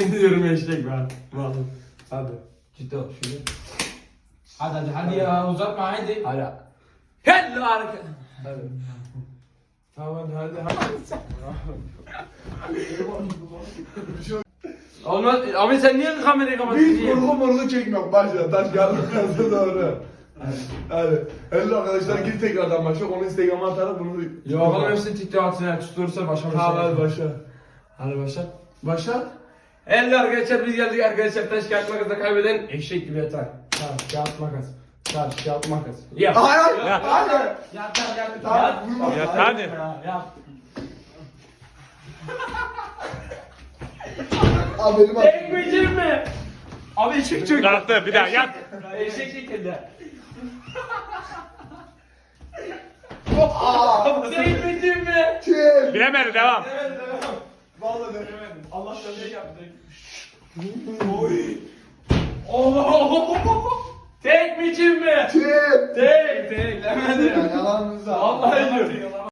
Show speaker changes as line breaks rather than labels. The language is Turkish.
Yemin ediyorum eşek ben. Vallahi. Hadi. Ciddi ol şöyle.
Hadi ya uzatma hadi.
Hadi. Hello hareket. Hadi. Tamam hadi. Olmaz. Abi sen niye kamerayı kapatıyorsun?
Hiç vurgu çekmiyor. Başla. Taş geldi kazı doğru. Hadi. Hello arkadaşlar gir tekrardan başla. Onu Instagram'a atarım bunu.
Yok oğlum hepsini TikTok'a atın. Tutursa başa başa.
Tamam hadi başla.
Hadi başla.
Başla.
Hello arkadaşlar biz geldik arkadaşlar. Taş kağıt makasla kaybeden eşek gibi yatar. Taş kağıt makas. Taş kağıt makas. Yap.
Hayır. Hayır.
Yat lan yat.
Tamam,
Yat.
vurma.
Yat hadi. Yat.
Abi benim aklım.
Ekmeyeceğim mi? Abi eşek çök.
Kalktı bir daha yat.
Eşek şekilde. Ekmeyeceğim mi?
Kim?
Bilemedi devam.
Vallahi denemedim.
Allah şöyle yaptı. Oy. Oh. Tek mi çift mi?
Kim?
Tek. Tek. Demedi.
Yalanınızı.
Vallahi diyor.